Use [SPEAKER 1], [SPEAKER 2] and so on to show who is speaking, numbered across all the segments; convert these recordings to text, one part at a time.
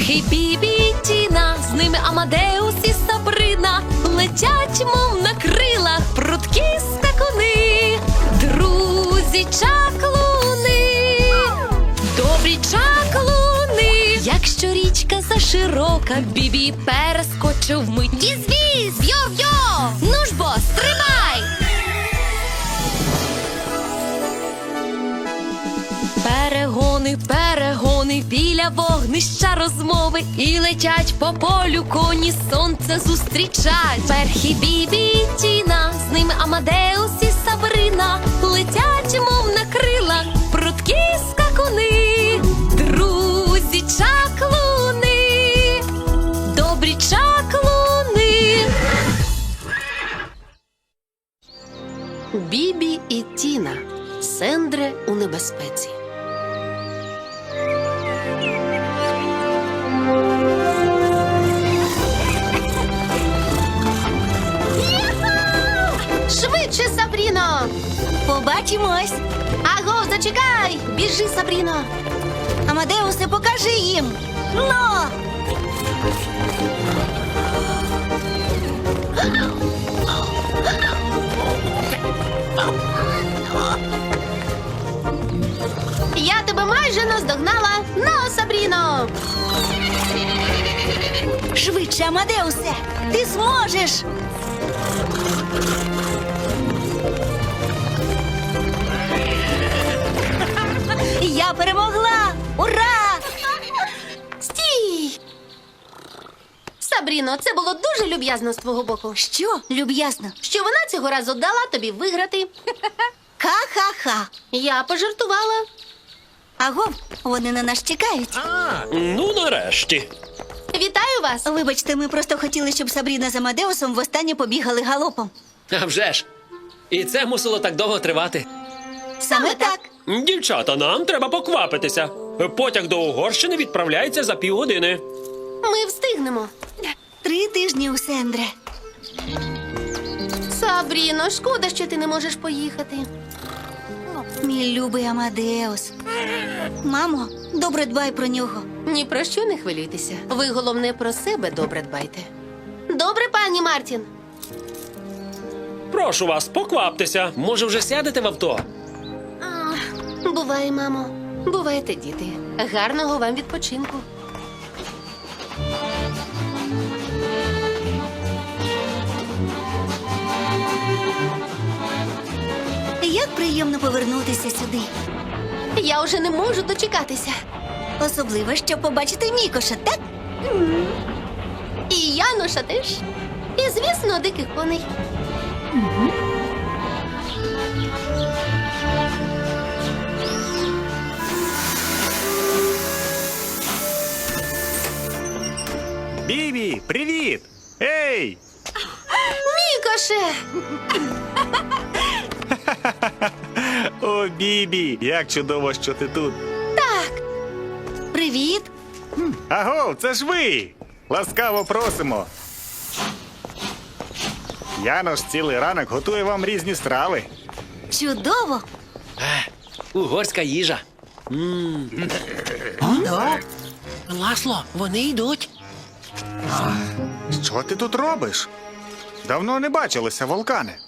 [SPEAKER 1] Перхий, Бібі і Тіна, з ними Амадеус і Сабрина, летять, мов на крилах, прудкі скакуни, друзі чаклуни, добрі чаклуни. Якщо річка заширока, Бібі перескочив вмить. Віз-віз, йо-йо, ну ж бо, стрибай! Перегони, перегони, біля вогнища розмови, і летять по полю коні, сонце зустрічать. Перхі, Бібі і Тіна, з ними Амадеус і Сабрина, летять, мов на крилах, прудкі скакуни, друзі чаклуни, добрі чаклуни.
[SPEAKER 2] Бібі і Тіна. Сендре у небезпеці. Швидше, Сабріно!
[SPEAKER 3] Побачимось.
[SPEAKER 2] Аго, зачекай! Біжи, Сабріно!
[SPEAKER 3] Амадеусе, покажи їм. Ну!
[SPEAKER 2] Я тебе майже наздогнала! Ну, Сабріно!
[SPEAKER 3] Швидше, Амадеусе! Ти зможеш! Я перемогла! Ура!
[SPEAKER 2] Стій! Сабріно, це було дуже люб'язно з твого боку.
[SPEAKER 3] Що, люб'язно?
[SPEAKER 2] Що вона цього разу дала тобі виграти.
[SPEAKER 3] Ха-ха-ха!
[SPEAKER 2] Я пожартувала.
[SPEAKER 3] Агов, вони на нас чекають.
[SPEAKER 4] Ну, нарешті.
[SPEAKER 2] Вітаю вас!
[SPEAKER 3] Вибачте, ми просто хотіли, щоб Сабріна з Амадеусом востаннє побігали галопом.
[SPEAKER 4] А вже ж. І це мусило так довго тривати.
[SPEAKER 3] Саме так.
[SPEAKER 4] Дівчата, нам треба поквапитися. Потяг до Угорщини відправляється за півгодини.
[SPEAKER 2] Ми встигнемо.
[SPEAKER 3] 3 тижні у Сендре.
[SPEAKER 2] Сабріно, шкода, що ти не можеш поїхати.
[SPEAKER 3] Мій любий Амадеус. Мамо, добре дбай про нього.
[SPEAKER 2] Ні про що не хвилюйтеся. Ви, головне, про себе добре дбайте. Добре, пані Мартін?
[SPEAKER 4] Прошу вас, покваптеся. Може, вже сядете в авто?
[SPEAKER 2] Буває, мамо. Бувайте, діти. Гарного вам відпочинку.
[SPEAKER 3] Як приємно повернутися сюди.
[SPEAKER 2] Я вже не можу дочекатися.
[SPEAKER 3] Особливо, щоб побачити Мікоша, так?
[SPEAKER 2] І Яноша теж. І, звісно, диких коней.
[SPEAKER 5] Бібі, привіт! Ей!
[SPEAKER 2] Мікоше!
[SPEAKER 5] О, Бібі, як чудово, що ти тут.
[SPEAKER 3] Привіт.
[SPEAKER 5] Аго, це ж ви! Ласкаво просимо. Янош цілий ранок готує вам різні страви.
[SPEAKER 3] Чудово.
[SPEAKER 4] Угорська їжа. Ласло, вони йдуть.
[SPEAKER 5] Що ти тут робиш? Давно не бачилися, Волкане.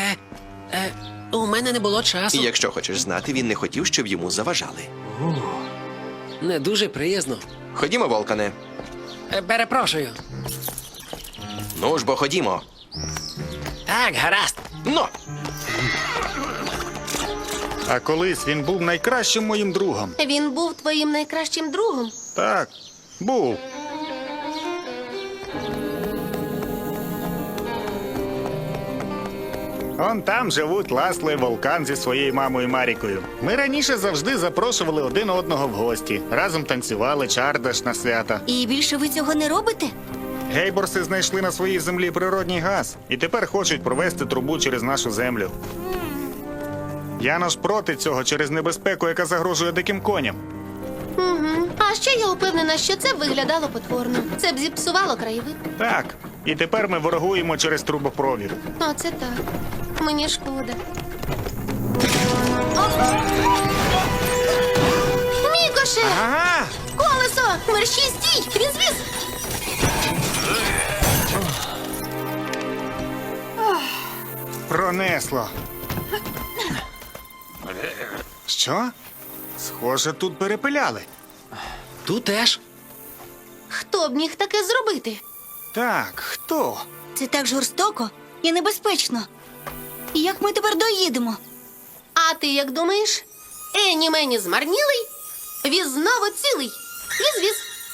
[SPEAKER 4] У мене не було часу.
[SPEAKER 6] І якщо хочеш знати, він не хотів, щоб йому заважали.
[SPEAKER 4] Не дуже приязно.
[SPEAKER 6] Ходімо, Волкане.
[SPEAKER 4] Перепрошую.
[SPEAKER 6] Ну ж бо ходімо.
[SPEAKER 4] Так, гаразд.
[SPEAKER 6] Ну!
[SPEAKER 5] А колись він був найкращим моїм другом.
[SPEAKER 2] Він був твоїм найкращим другом.
[SPEAKER 5] Так, був. Он там живуть Ласло і Волкан зі своєю мамою Марікою. Ми раніше завжди запрошували один одного в гості. Разом танцювали чардаш на свята.
[SPEAKER 3] І більше ви цього не робите?
[SPEAKER 5] Гейборси знайшли на своїй землі природній газ і тепер хочуть провести трубу через нашу землю. Янош проти цього через небезпеку, яка загрожує диким коням.
[SPEAKER 2] Угу. А ще я упевнена, що це виглядало потворно. Це б зіпсувало краєвид.
[SPEAKER 5] Так, і тепер ми ворогуємо через трубопровід.
[SPEAKER 2] Оце так. Мені шкода. Мікоше!
[SPEAKER 5] Ага!
[SPEAKER 2] Колесо! Мерщій, стій! Він звіз!
[SPEAKER 5] Пронесло. Що? Схоже, тут перепиляли.
[SPEAKER 4] Тут теж.
[SPEAKER 2] Хто б міг таке зробити?
[SPEAKER 5] Так, хто?
[SPEAKER 3] Це так жорстоко і небезпечно. І як ми тепер доїдемо?
[SPEAKER 2] А ти як думаєш? Ені мені змарнілий, віз знову цілий. Віз-віз.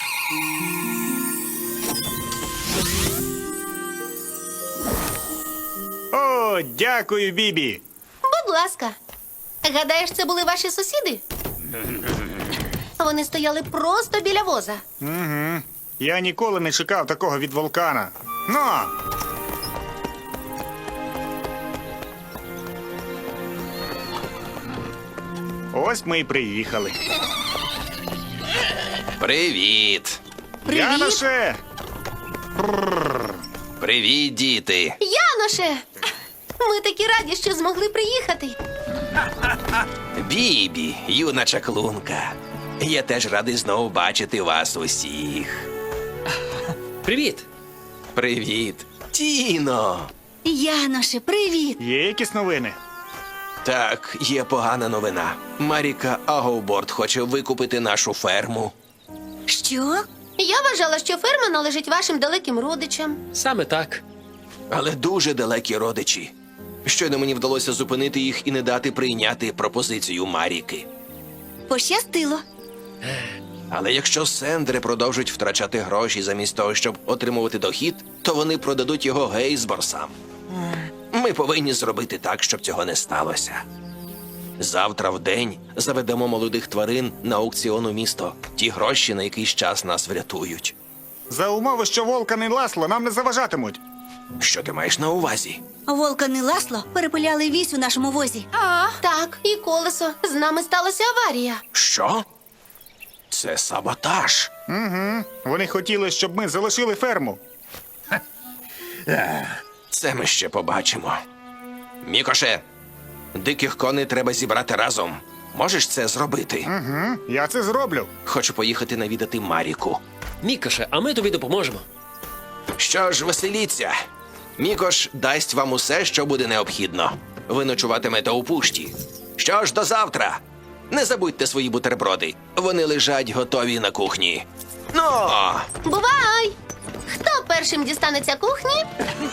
[SPEAKER 5] О, дякую, Бібі.
[SPEAKER 2] Будь ласка. Гадаєш, це були ваші сусіди? Вони стояли просто біля воза.
[SPEAKER 5] Угу. Я ніколи не чекав такого від вулкана. Ну! Ось ми й приїхали.
[SPEAKER 6] Привіт!
[SPEAKER 5] Яноше!
[SPEAKER 6] Привіт, діти!
[SPEAKER 2] Яноше! Ми такі раді, що змогли приїхати.
[SPEAKER 6] Бібі, юна чаклунка. Я теж радий знову бачити вас усіх.
[SPEAKER 4] Привіт.
[SPEAKER 6] Привіт, Тіно!
[SPEAKER 3] Яноше, привіт!
[SPEAKER 5] Є якісь новини?
[SPEAKER 6] Так, є погана новина. Маріка Агоуборд хоче викупити нашу ферму.
[SPEAKER 3] Що?
[SPEAKER 2] Я вважала, що ферма належить вашим далеким родичам.
[SPEAKER 4] Саме так.
[SPEAKER 6] Але дуже далекі родичі. Щойно мені вдалося зупинити їх і не дати прийняти пропозицію Маріки.
[SPEAKER 3] Пощастило.
[SPEAKER 6] Але якщо Сендри продовжать втрачати гроші замість того, щоб отримувати дохід, то вони продадуть його Гейсборсам. Ми повинні зробити так, щоб цього не сталося. Завтра в день заведемо молодих тварин на аукціон у місто. Ті гроші на якийсь час нас врятують.
[SPEAKER 5] За умови, що Волкан і Ласло нам не заважатимуть.
[SPEAKER 6] Що ти маєш на увазі?
[SPEAKER 3] Волкан і Ласло перепиляли вісь у нашому возі.
[SPEAKER 2] Так, і колесо. З нами сталася аварія.
[SPEAKER 6] Що? Це саботаж.
[SPEAKER 5] Угу. Вони хотіли, щоб ми залишили ферму.
[SPEAKER 6] Це ми ще побачимо. Мікоше, диких коней треба зібрати разом. Можеш це зробити?
[SPEAKER 5] Угу. Я це зроблю.
[SPEAKER 6] Хочу поїхати навідати Маріку.
[SPEAKER 4] Мікоше, а ми тобі допоможемо.
[SPEAKER 6] Що ж, веселіться. Мікош дасть вам усе, що буде необхідно. Ви ночуватимете у пушті. Що ж, до завтра. Не забудьте свої бутерброди. Вони лежать готові на кухні. Ну!
[SPEAKER 2] Бувай! Хто першим дістанеться кухні?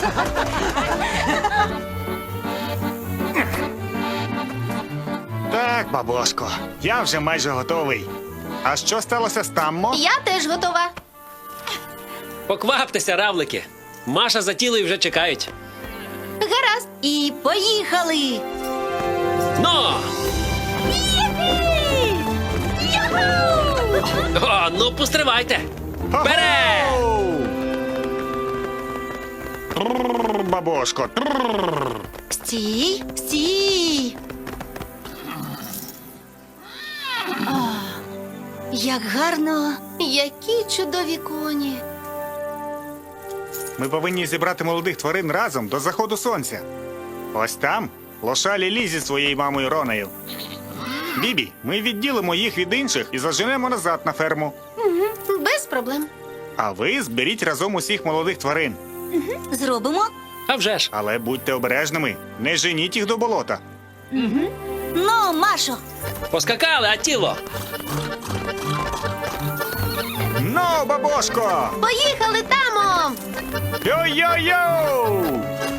[SPEAKER 5] Так, бабушко, я вже майже готовий. А що сталося з Таммо?
[SPEAKER 2] Я теж готова.
[SPEAKER 4] Покваптеся, равлики. Маша за тілою вже чекають.
[SPEAKER 2] Гаразд.
[SPEAKER 3] І поїхали!
[SPEAKER 4] Но! О, ну постривайте. Бере!
[SPEAKER 5] Оу! Трррр, бабушко. Трррр.
[SPEAKER 3] Стій, стій! Як гарно!
[SPEAKER 2] Які чудові коні.
[SPEAKER 5] Ми повинні зібрати молодих тварин разом до заходу сонця. Ось там лошалі Лі зі своєю мамою Ронею. Бібі, ми відділимо їх від інших і заженемо назад на ферму.
[SPEAKER 2] Без проблем.
[SPEAKER 5] А ви зберіть разом усіх молодих тварин.
[SPEAKER 3] Зробимо?
[SPEAKER 4] А вже ж.
[SPEAKER 5] Але будьте обережними, не женіть їх до болота.
[SPEAKER 3] Ну, Машо!
[SPEAKER 4] Поскакали, а тіло.
[SPEAKER 5] Ну, бабушко!
[SPEAKER 2] Поїхали, Тамо!
[SPEAKER 5] Йо-йо-йо!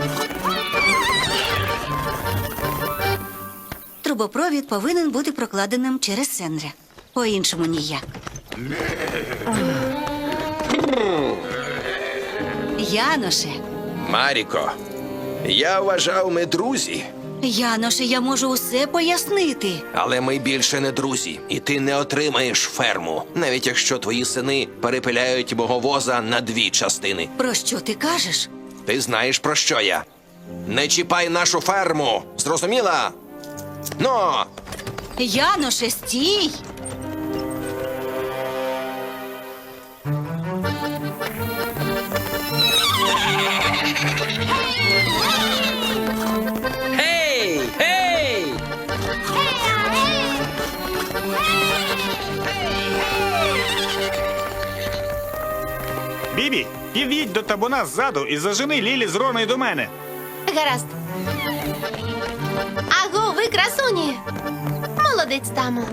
[SPEAKER 3] Трубопровід повинен бути прокладеним через Сендре. По-іншому ніяк. Яноше,
[SPEAKER 6] Маріко, я вважав, ми друзі.
[SPEAKER 3] Яноше, я можу усе пояснити.
[SPEAKER 6] Але ми більше не друзі, і ти не отримаєш ферму, навіть якщо твої сини перепиляють мого воза на 2 частини.
[SPEAKER 3] Про що ти кажеш?
[SPEAKER 6] Ти знаєш, про що я? Не чіпай нашу ферму! Зрозуміла? Ну!
[SPEAKER 3] Яноше, стій!
[SPEAKER 4] Гей! Гей!
[SPEAKER 5] під'їдь до табуна ззаду і зажени Лілі з Роною до мене.
[SPEAKER 2] Гаразд. Аго, ви красуні! Молодець, тамо.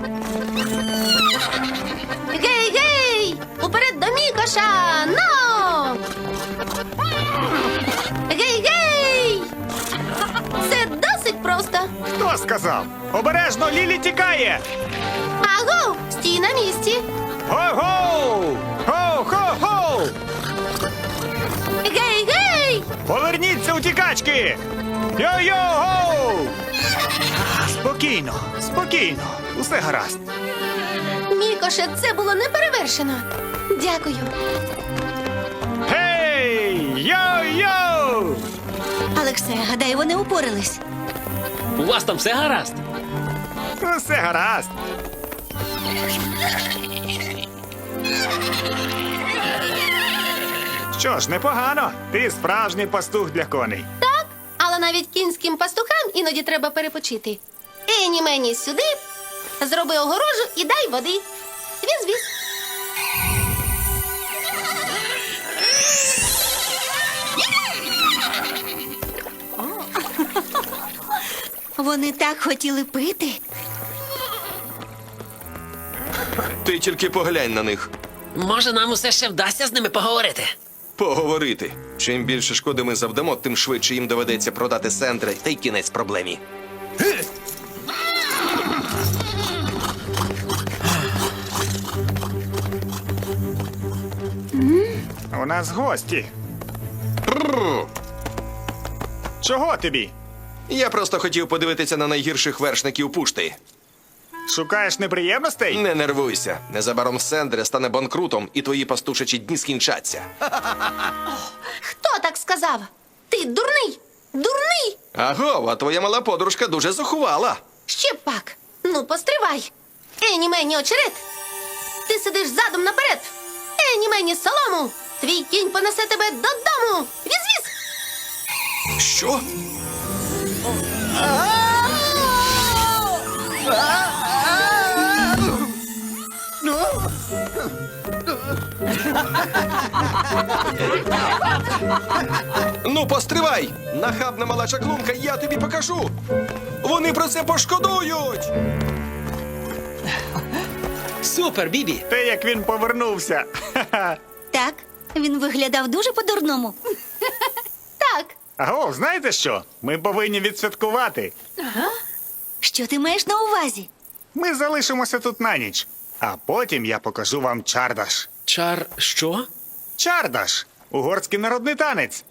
[SPEAKER 2] Гей, гей! Уперед до Мікоша! Ну! Гей, гей! Це досить просто.
[SPEAKER 5] Хто сказав? Обережно, Лілі тікає!
[SPEAKER 2] Аго, стій на місці.
[SPEAKER 5] Го-го! Го-го-го!
[SPEAKER 2] Гей, гей!
[SPEAKER 5] Поверніться, утікачки! Йо-йо-го! Спокійно, спокійно. Усе гаразд.
[SPEAKER 2] Мікоше, це було неперевершено. Дякую.
[SPEAKER 5] Гей! Йо-йо!
[SPEAKER 3] Алексе, гадаю, вони упорались.
[SPEAKER 4] У вас там все гаразд?
[SPEAKER 5] Усе гаразд. Що ж, непогано. Ти справжній пастух для коней.
[SPEAKER 2] Так, але навіть кінським пастухам іноді треба перепочити. Ені мені сюди, зроби огорожу і дай води. Віз-віз.
[SPEAKER 3] Вони так хотіли пити.
[SPEAKER 6] Ти тільки поглянь на них.
[SPEAKER 4] Може, нам усе ще вдасться з ними поговорити?
[SPEAKER 6] Поговорити. Чим більше шкоди ми завдамо, тим швидше їм доведеться продати Сендре, та й кінець проблемі.
[SPEAKER 5] У нас гості. Чого тобі?
[SPEAKER 6] Я просто хотів подивитися на найгірших вершників пушти.
[SPEAKER 5] Шукаєш неприємностей?
[SPEAKER 6] Не нервуйся. Незабаром Сендре стане банкрутом, і твої пастушачі дні скінчаться.
[SPEAKER 2] Хто так сказав? Ти дурний! Дурний!
[SPEAKER 6] Аго, а твоя мала подружка дуже зухвала.
[SPEAKER 2] Ще пак. Ну, постривай. Ені мені очерет. Ти сидиш задом наперед. Ені мені солому. Твій кінь понесе тебе додому. Віз-віз.
[SPEAKER 6] Що? Ну, постривай! Нахабна мала чаклунка, я тобі покажу! Вони про це пошкодують!
[SPEAKER 4] Супер, Бібі!
[SPEAKER 5] Те, як він повернувся. Ха-ха.
[SPEAKER 3] Так, він виглядав дуже по-дурному.
[SPEAKER 2] Так.
[SPEAKER 5] Аго, знаєте що? Ми повинні відсвяткувати.
[SPEAKER 3] Що ти маєш на увазі?
[SPEAKER 5] Ми залишимося тут на ніч. А потім я покажу вам чардаш.
[SPEAKER 4] Чар що?
[SPEAKER 5] Чардаш – угорський народний танець.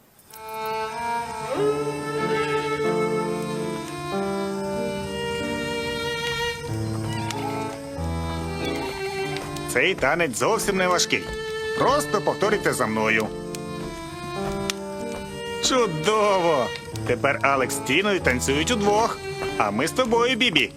[SPEAKER 5] Цей танець зовсім не важкий. Просто повторюйте за мною. Чудово! Тепер Алекс з Тіною танцюють удвох. А ми з тобою, Бібі.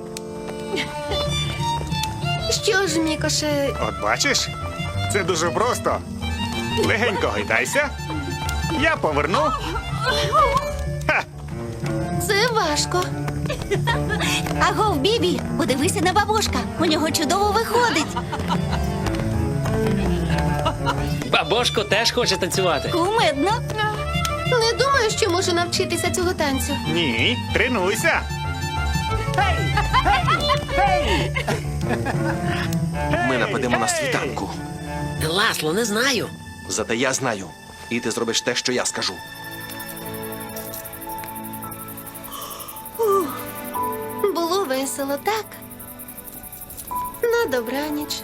[SPEAKER 2] Що ж, Мікоше,
[SPEAKER 5] От бачиш? Це дуже просто. Легенько гайдайся. Я поверну. Ха!
[SPEAKER 2] це важко.
[SPEAKER 3] Агов, Бібі, подивися на бабушка. У нього чудово виходить.
[SPEAKER 4] Бабошко теж хоче танцювати.
[SPEAKER 3] Кумедно.
[SPEAKER 2] Не думаю, що можу навчитися цього танцю.
[SPEAKER 5] Ні, тренуйся.
[SPEAKER 6] Ми нападемо на світанку.
[SPEAKER 4] Ласло, не знаю.
[SPEAKER 6] Зате я знаю. І ти зробиш те, що я скажу.
[SPEAKER 2] Було весело, так? На добраніч.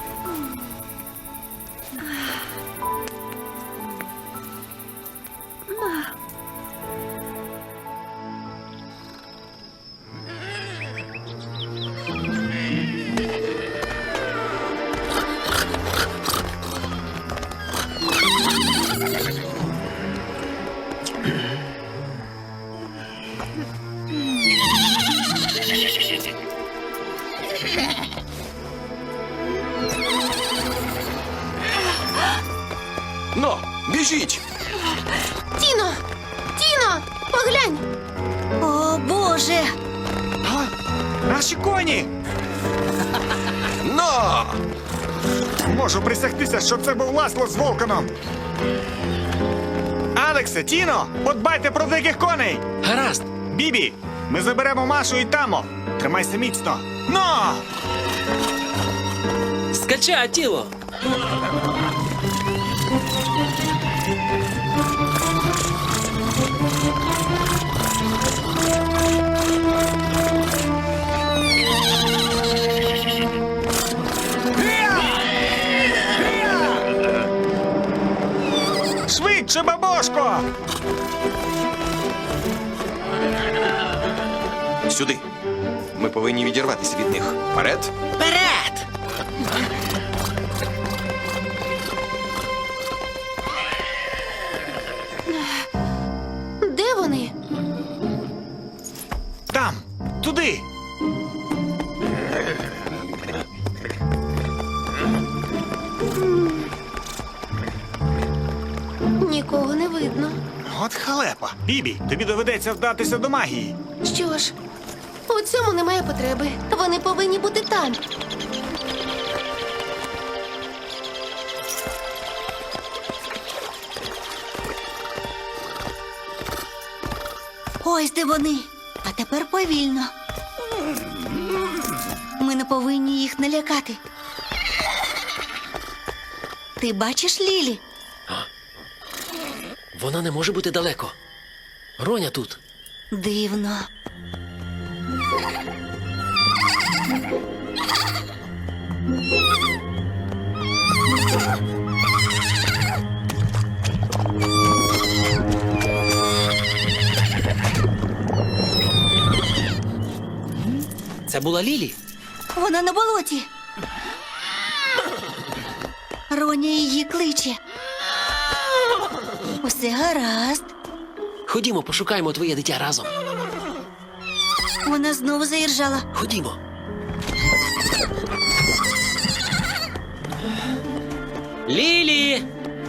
[SPEAKER 6] Но, біжіть!
[SPEAKER 2] Тіно! Тіно! Поглянь!
[SPEAKER 3] О, Боже!
[SPEAKER 5] Наші коні!
[SPEAKER 6] Но!
[SPEAKER 5] Можу присягтися, що це був Ласло з Волканом. Алексе, Тіно, подбайте про диких коней!
[SPEAKER 4] Гаразд.
[SPEAKER 5] Бібі, ми заберемо Машу і Тамо. Тримайся міцно. Но!
[SPEAKER 4] Скача, тіло.
[SPEAKER 5] Швидше, бабошко!
[SPEAKER 6] Сюди. Ми повинні відірватися від них. Вперед!
[SPEAKER 4] Вперед!
[SPEAKER 2] Де вони?
[SPEAKER 5] Там, туди!
[SPEAKER 2] Нікого не видно.
[SPEAKER 5] От халепа. Бібі, тобі доведеться вдатися до магії.
[SPEAKER 2] Що ж, у цьому немає потреби. Вони повинні бути там.
[SPEAKER 3] Ось де вони. А тепер повільно. Ми не повинні їх налякати. Ти бачиш Лілі?
[SPEAKER 4] Вона не може бути далеко. Роня тут.
[SPEAKER 3] Дивно.
[SPEAKER 4] Це була Лілі.
[SPEAKER 3] Вона на болоті. Роня її кличе. Усе гаразд.
[SPEAKER 4] Ходімо, пошукаємо твоє дитя разом.
[SPEAKER 3] Вона знову заіржала.
[SPEAKER 4] Ходімо. Лілі!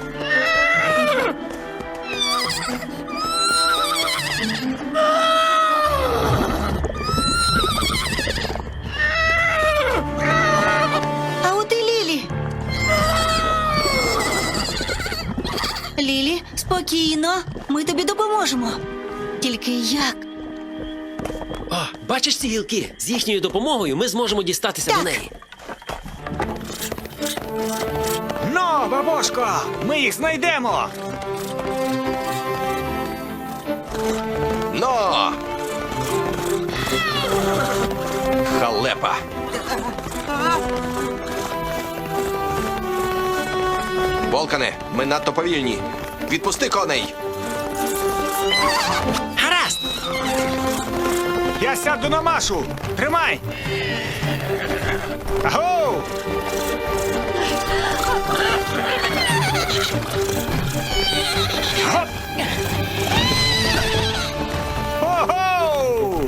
[SPEAKER 3] А от і Лілі. Лілі, спокійно. Ми тобі допоможемо. Тільки як?
[SPEAKER 4] О, бачиш ці гілки? З їхньою допомогою ми зможемо дістатися
[SPEAKER 3] Так.
[SPEAKER 4] до неї.
[SPEAKER 5] Но, бабошко, ми їх знайдемо.
[SPEAKER 6] Но! Халепа! Волкане, ми надто повільні. Відпусти коней!
[SPEAKER 4] Гаразд!
[SPEAKER 5] Я сяду на Машу. Тримай. Агоу! Гоп! Ого!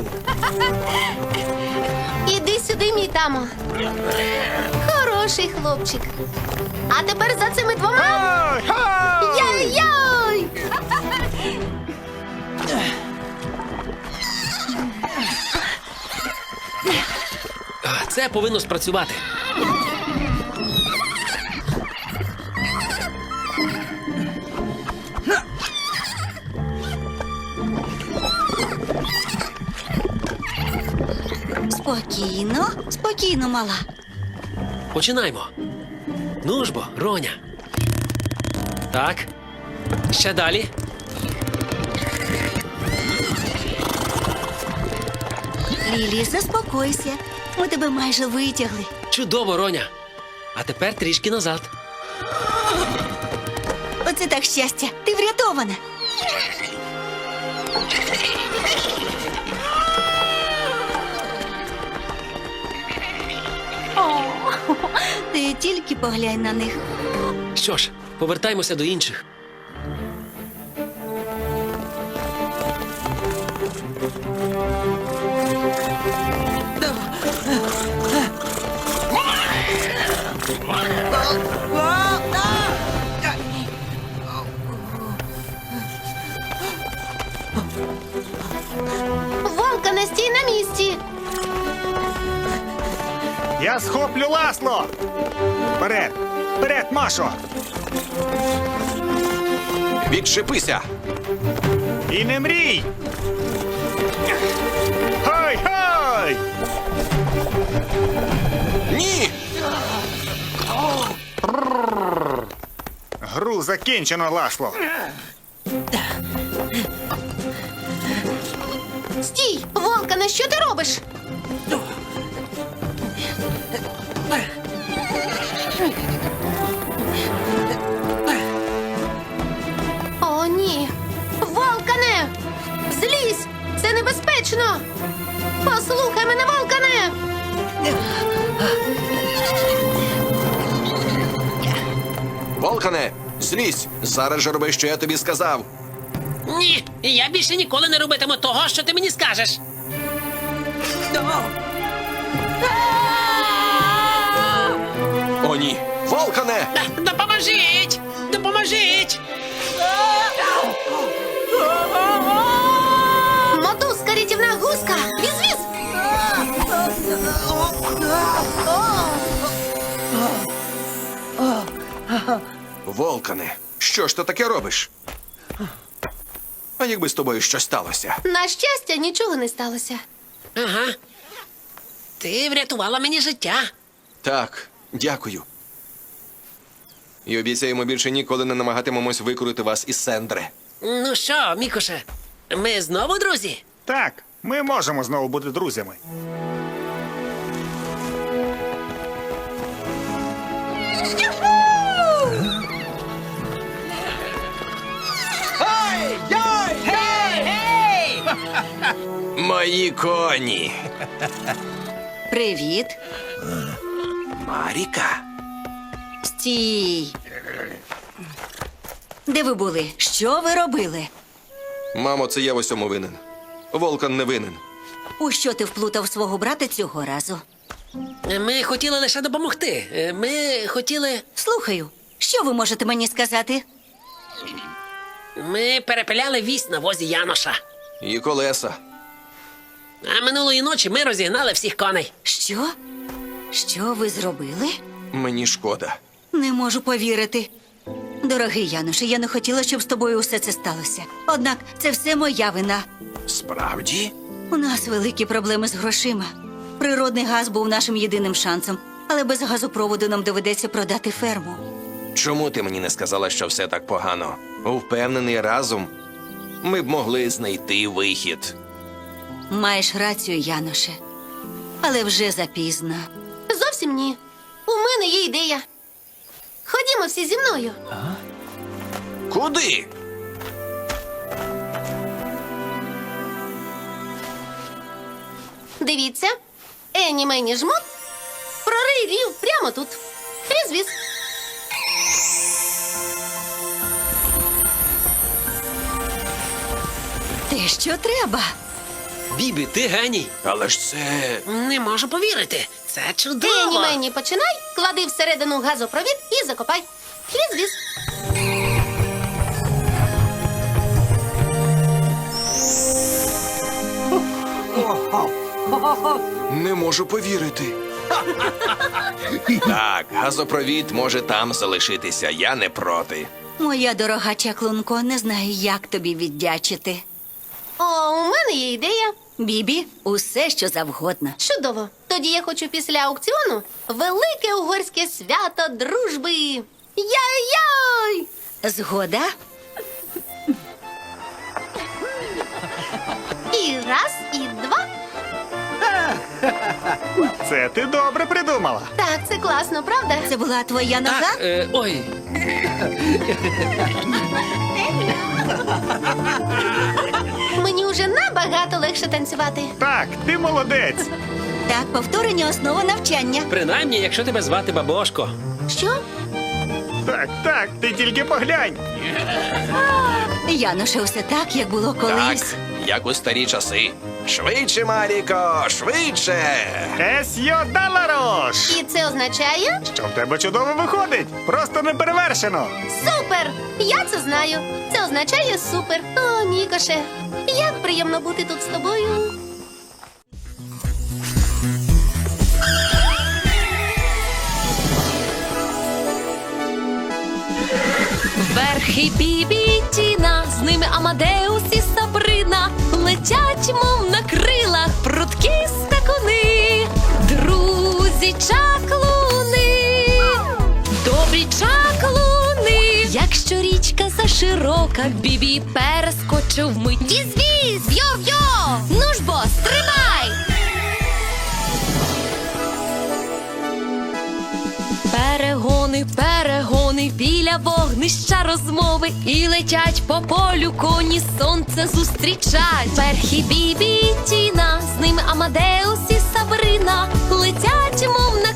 [SPEAKER 2] Іди сюди, мій тамо. Хороший хлопчик. А тепер за цими двома.
[SPEAKER 5] Ой, ой!
[SPEAKER 2] Яй-яй!
[SPEAKER 4] Це повинно спрацювати.
[SPEAKER 3] Спокійно, спокійно, мала.
[SPEAKER 4] Починаймо. Ну ж бо, Роня. Так. Ще далі.
[SPEAKER 3] Лілі, заспокойся. Ми тебе майже витягли.
[SPEAKER 4] Чудово, Роня. А тепер трішки назад.
[SPEAKER 3] Оце так щастя. Ти врятована. Ти тільки поглянь на них.
[SPEAKER 4] Що ж, повертаймося до інших.
[SPEAKER 2] Вовка, не стій на місці.
[SPEAKER 5] Я схоплю Ласло. Вперед! Вперед, Машо!
[SPEAKER 6] Відчепися!
[SPEAKER 5] І не мрій! Хай-хай!
[SPEAKER 6] Ні!
[SPEAKER 5] Гру закінчено, Ласло.
[SPEAKER 2] Стій! Волкане, що ти робиш? О, ні! Волкане! Злізь! Це небезпечно! Послухай мене, Волкане!
[SPEAKER 6] Волкане, злізь! Зараз же роби, що я тобі сказав.
[SPEAKER 7] Ні, я більше ніколи не робитиму того, що ти мені скажеш.
[SPEAKER 6] О, ні! Волкане!
[SPEAKER 7] Допоможіть! Допоможіть!
[SPEAKER 2] Мотузка, рятівна гуска! Віз-віз!
[SPEAKER 6] Волкане, що ж ти таке робиш? А якби з тобою щось сталося?
[SPEAKER 2] На щастя, нічого не сталося.
[SPEAKER 7] Ага. Ти врятувала мені життя.
[SPEAKER 6] Так, дякую. І обіцяємо більше ніколи не намагатимемось викрути вас із Сендри.
[SPEAKER 7] Ну що, Мікоше, ми знову друзі?
[SPEAKER 5] Так, ми можемо знову бути друзями.
[SPEAKER 6] Мої коні!
[SPEAKER 3] Привіт.
[SPEAKER 6] Маріка?
[SPEAKER 3] Стій. Де ви були? Що ви робили?
[SPEAKER 6] Мамо, це я в усьому винен. Волкан не винен.
[SPEAKER 3] У що ти вплутав свого брата цього разу?
[SPEAKER 7] Ми хотіли лише допомогти. Ми хотіли.
[SPEAKER 3] Слухаю, що ви можете мені сказати?
[SPEAKER 7] Ми перепиляли вісь на возі Яноша.
[SPEAKER 6] І колеса.
[SPEAKER 7] А минулої ночі ми розігнали всіх коней.
[SPEAKER 3] Що? Що ви зробили?
[SPEAKER 6] Мені шкода.
[SPEAKER 3] Не можу повірити. Дорогий Януше, я не хотіла, щоб з тобою усе це сталося. Однак це все моя вина.
[SPEAKER 6] Справді?
[SPEAKER 3] У нас великі проблеми з грошима. Природний газ був нашим єдиним шансом, але без газопроводу нам доведеться продати ферму.
[SPEAKER 6] Чому ти мені не сказала, що все так погано? Впевнений, разом ми б могли знайти вихід.
[SPEAKER 3] Маєш рацію, Яноше. Але вже запізно.
[SPEAKER 2] Зовсім ні. У мене є ідея. Ходімо всі зі мною.
[SPEAKER 6] Куди?
[SPEAKER 2] Дивіться. Ені мені жмут. Прорий рів прямо тут. Віз-віз.
[SPEAKER 3] Те, що треба.
[SPEAKER 4] Бібі, ти геній.
[SPEAKER 6] Але ж це.
[SPEAKER 7] Не можу повірити. Це чудово.
[SPEAKER 2] Ені мені починай, клади всередину газопровід і закопай. Віз-віз.
[SPEAKER 6] Не можу повірити. Так, газопровід може там залишитися. Я не проти.
[SPEAKER 3] Моя дорога чаклунко, не знаю, як тобі віддячити.
[SPEAKER 2] О, у мене є ідея.
[SPEAKER 3] Бібі, усе, що завгодно.
[SPEAKER 2] Чудово. Тоді я хочу після аукціону велике угорське свято дружби. Яй-яй!
[SPEAKER 3] Згода?
[SPEAKER 2] І раз, і два.
[SPEAKER 5] Це ти добре придумала.
[SPEAKER 2] Так, це класно, правда?
[SPEAKER 3] Це була твоя нога?
[SPEAKER 4] Так, ой.
[SPEAKER 2] Мені вже набагато легше танцювати.
[SPEAKER 5] Так, ти молодець.
[SPEAKER 3] Так, повторення основа навчання.
[SPEAKER 4] Принаймні, якщо тебе звати Бабошко.
[SPEAKER 2] Що?
[SPEAKER 5] Так, так, ти тільки поглянь.
[SPEAKER 3] Януше, усе так, як було колись.
[SPEAKER 6] Так, як у старі часи. Швидше, Маріко, швидше!
[SPEAKER 5] Есьо Даларош!
[SPEAKER 2] І це означає
[SPEAKER 5] Що в тебе чудово виходить? Просто неперевершено.
[SPEAKER 2] супер! Я це знаю. Це означає супер. О, Мікоше, як приємно бути тут з тобою.
[SPEAKER 1] Верхи Бібі і Тіна, з ними Амадеус і Сабрина, летять, мов на крилах, прудкі скакуни, друзі чаклуни, добрі чаклуни. Якщо річка заширока, Бібі перескочив вмить. Віз-віз, йо-йо, ну ж бо, стримай! Перегони, перегони, біля вогнища розмови, і летять по полю коні, сонце зустрічать. Верхи Бібі і Тіна, з ними Амадеус і Сабрина, летять, мов на